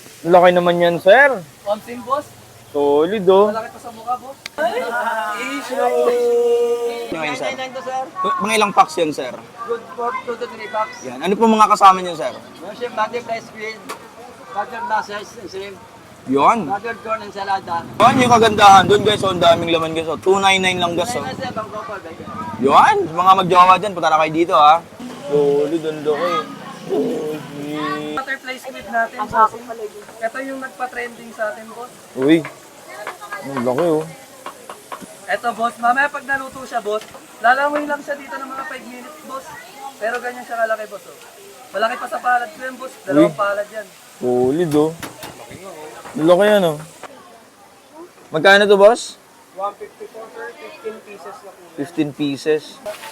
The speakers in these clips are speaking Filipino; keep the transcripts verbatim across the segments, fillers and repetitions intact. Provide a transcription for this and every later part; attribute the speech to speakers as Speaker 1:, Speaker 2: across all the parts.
Speaker 1: Laki naman yan, sir.
Speaker 2: Pamsin, boss.
Speaker 1: Solid, oh.
Speaker 2: Malaki pa sa mukha, boss. Issue.
Speaker 1: Ngayon, sir.
Speaker 2: nine nine to, sir.
Speaker 1: Mga ilang packs yan, sir?
Speaker 2: Good for two to three bucks.
Speaker 1: Yan. Ano po mga kasama niyo, sir?
Speaker 2: Meron siyang butterfly squid, buttered massage and shrimp,
Speaker 1: Yun.
Speaker 2: buttered corn and salada.
Speaker 1: Yan yung kagandahan doon, guys. So, ang daming laman, guys. So, two ninety-nine lang, guys. Oh.
Speaker 2: nine nine sir, bang couple, bacon.
Speaker 1: Yun. Mga magjawa dyan, punta na kayo dito, ha. Solid, ang laki. Solid.
Speaker 2: Butterfly squid natin, boss. Ito yung nagpa-trending sa atin, boss.
Speaker 1: Uy. Ang laki, oh.
Speaker 2: Ito, boss. Mamaya pag naluto siya, boss, lalangoy lang siya dito ng mga five minutes, boss. Pero ganyan siya kalaki, boss. Oh. Malaki pa sa palad ko yan, boss. Dalawang
Speaker 1: Uy.
Speaker 2: palad yan.
Speaker 1: Solid, oh. Ang laki yan, oh. Magkano to, boss?
Speaker 2: one fifty-four, sir. fifteen pieces na po.
Speaker 1: fifteen pieces.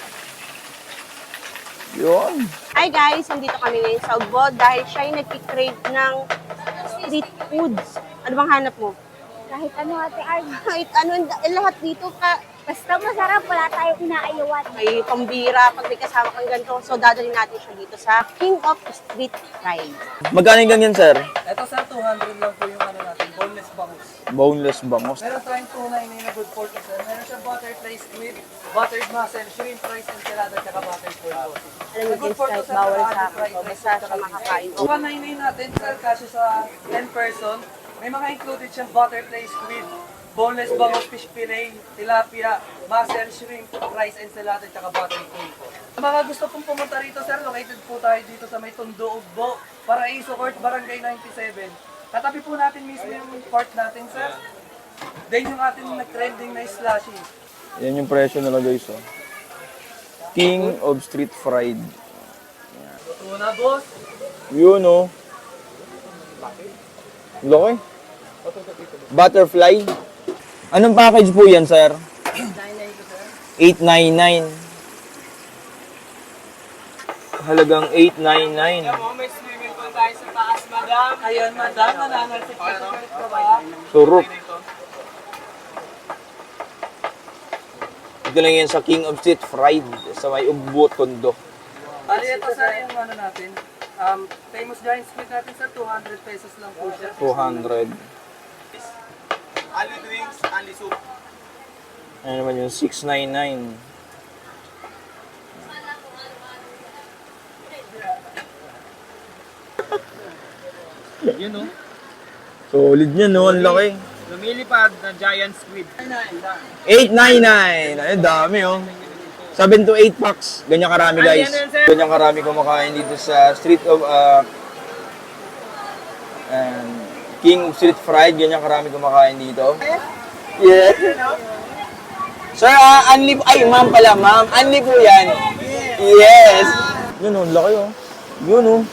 Speaker 1: Yun.
Speaker 3: Hi guys, nandito kami ngayon sa Ugbo dahil siya yung nagkikrave ng street foods. Ano bang hanap mo?
Speaker 4: Kahit ano ate Arj.
Speaker 3: Kahit ano, eh, lahat dito ka,
Speaker 4: Basta masarap, wala tayong inaayawan.
Speaker 3: may pambira pag may kasama kang ganito. So dadalhin natin siya dito sa King of Street Fries.
Speaker 1: Magkano yung ganyan, sir?
Speaker 2: Ito, sir, two hundred lang po yung ano natin, boneless bangus.
Speaker 1: Boneless bangos.
Speaker 2: Meron tayong two ninety-nine na good pork, sir. Meron siyang butterfly squid, buttered mussel, shrimp fries, enchilada, tsaka buttered pork.
Speaker 3: Alam mo, James, kahit bawal sa akin to, basta siya makakain.
Speaker 2: one ninety-nine natin, sir, kasi sa ten person, may mga included siyang butterfly squid, boneless bangus fish fillet, tilapia, mussel, shrimp, rice, ensalada, tsaka buttered pork po. Sa mga gusto pong pumunta rito, sir, located po tayo dito sa may Tondo, Ugbo, Paraiso Court, Barangay ninety-seven. Katabi po natin mismo yung court natin, sir. Then yung ating nag-trending na slushy.
Speaker 1: Yan yung presyo nila, guys, oh. King of Street Fried.
Speaker 2: Luto na, boss.
Speaker 1: Yun, oh. Laki. Butterfly. Anong package po yan, sir?
Speaker 2: nine ninety ko, sir.
Speaker 1: eight ninety-nine. Halagang eight ninety-nine.
Speaker 2: May swimming pool tayo sa taas, madam. Ayun, madam. Nananalsip ka sa kulit ko ba?
Speaker 1: Surok. Ito lang yan sa King of Street Fried sa may Ugbo, Tondo.
Speaker 2: Bali, ito, sir, yung ano natin. Um, famous giant squid natin, sir, two hundred pesos lang po siya.
Speaker 1: two hundred.
Speaker 2: Ali drinks, ali soup.
Speaker 1: Ano naman yung six ninety-nine.
Speaker 2: Yun, no?
Speaker 1: Solid yan, no? Ang laki.
Speaker 2: Lumilipad na giant squid.
Speaker 1: eight ninety-nine. Ay, dami, oh. seven to eight packs. Ganyan karami, guys. Ganyan karami kumakain dito sa Street of, uh, um, King of Street Fried. Ganyan karami kumakain dito. Yeah. Sir, uh, unli po. Ay, ma'am pala, ma'am. Unli po yan. Yes. Yun, oh. Laki, oh. Yun, oh.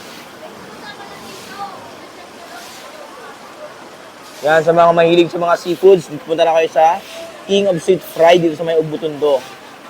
Speaker 1: Yan, sa mga mahilig sa mga seafoods, punta na kayo sa King of Street Fried dito sa may Ugbo, Tondo.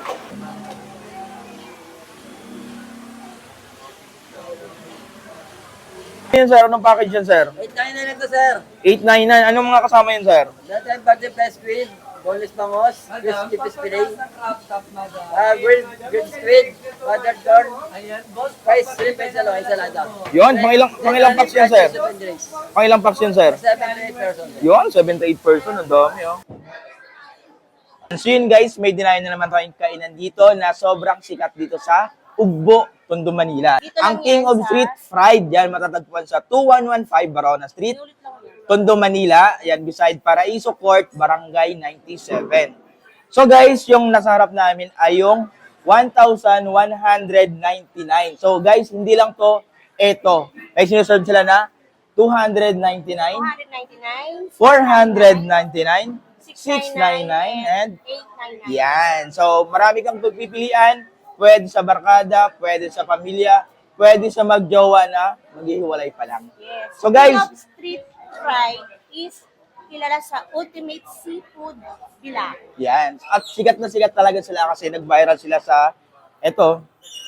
Speaker 1: Yan, sir. Anong package yan, sir?
Speaker 2: eight ninety-nine ito, sir.
Speaker 1: eight ninety-nine. Anong mga kasama yan, sir?
Speaker 2: Dati ang butterfly squid, boneless bangos, crispy fish fillet, ah, grilled, grilled squid, buttered corn, rice, shrimp, and salo, ensalada.
Speaker 1: Yun, pang ilang, pang ilang packs yan, sir?
Speaker 2: Seven drinks.
Speaker 1: Pang ilang packs yan, sir?
Speaker 2: Seven to eight person.
Speaker 1: Yun, seven to eight person. Ang dami, oh. So yun, guys, may dinayo na naman tayong kainan dito na sobrang sikat dito sa Ugbo, Tondo, Manila.
Speaker 3: Dito lang
Speaker 1: Ang King
Speaker 3: yan
Speaker 1: of
Speaker 3: sa-
Speaker 1: Street Fried, yan, matatagpuan sa two one one five Barona Street, Tondo, Manila. Yan, beside Paraiso Court, Barangay ninety-seven. So guys, yung nasa harap namin ay yung one thousand one hundred ninety-nine. So guys, hindi lang to, eto. May sinuserve sila na two hundred ninety-nine,
Speaker 3: two hundred ninety-nine,
Speaker 1: four hundred ninety-nine, six ninety-nine, and
Speaker 3: eight ninety-nine.
Speaker 1: yan. So, marami kang pagpipilian. Pwede sa barkada, pwede sa pamilya, pwede sa magjowa na maghihiwalay pa lang.
Speaker 3: Yes.
Speaker 1: So, guys-
Speaker 3: King of Street Fried is kilala sa ultimate seafood villa.
Speaker 1: Yan. At sikat na sikat talaga sila kasi nag-viral sila sa eto.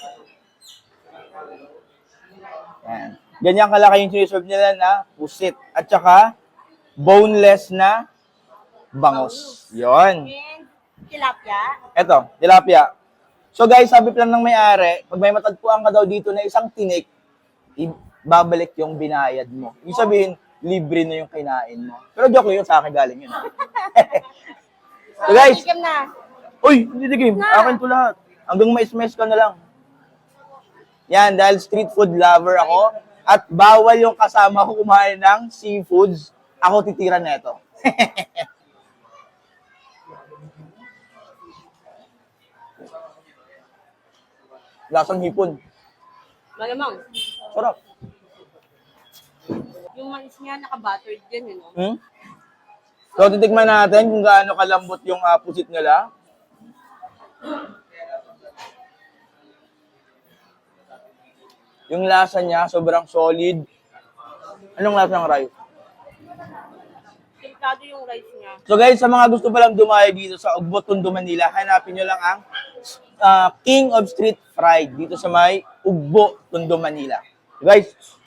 Speaker 1: Yan. Ganyan kalaki yung siniserve nila na pusit. At saka, boneless na bangus. Yon.
Speaker 3: And tilapia.
Speaker 1: Eto, tilapia. So guys, sabi pa lang ng may-ari, pag may matagpuan ka daw dito na isang tinik, ibabalik yung binayad mo. Ibig sabihin, libre na yung kinain mo. Pero joke yun, sa akin galing yun. So guys,
Speaker 3: Tikim na.
Speaker 1: uy, hindi tikim. Akin to lahat. Hanggang mais-mais ka na lang. Yan, dahil street food lover ako, at bawal yung kasama ko kumain ng seafoods, ako titira na ito. Lasang hipon.
Speaker 3: Malamang.
Speaker 1: Sarap.
Speaker 3: Yung mais niya, naka-buttered din, you know?
Speaker 1: Hmm? So, titikman natin kung gaano kalambot yung uh, pusit nila. Yung lasa niya, sobrang solid. Anong lasa ng rice?
Speaker 3: Simplado yung rice niya.
Speaker 1: So guys, sa mga gusto palang dumayo dito sa Ugbo, Tondo, Manila, hanapin nyo lang ang uh, King of Street Fried dito sa may Ugbo, Tondo, Manila. So guys,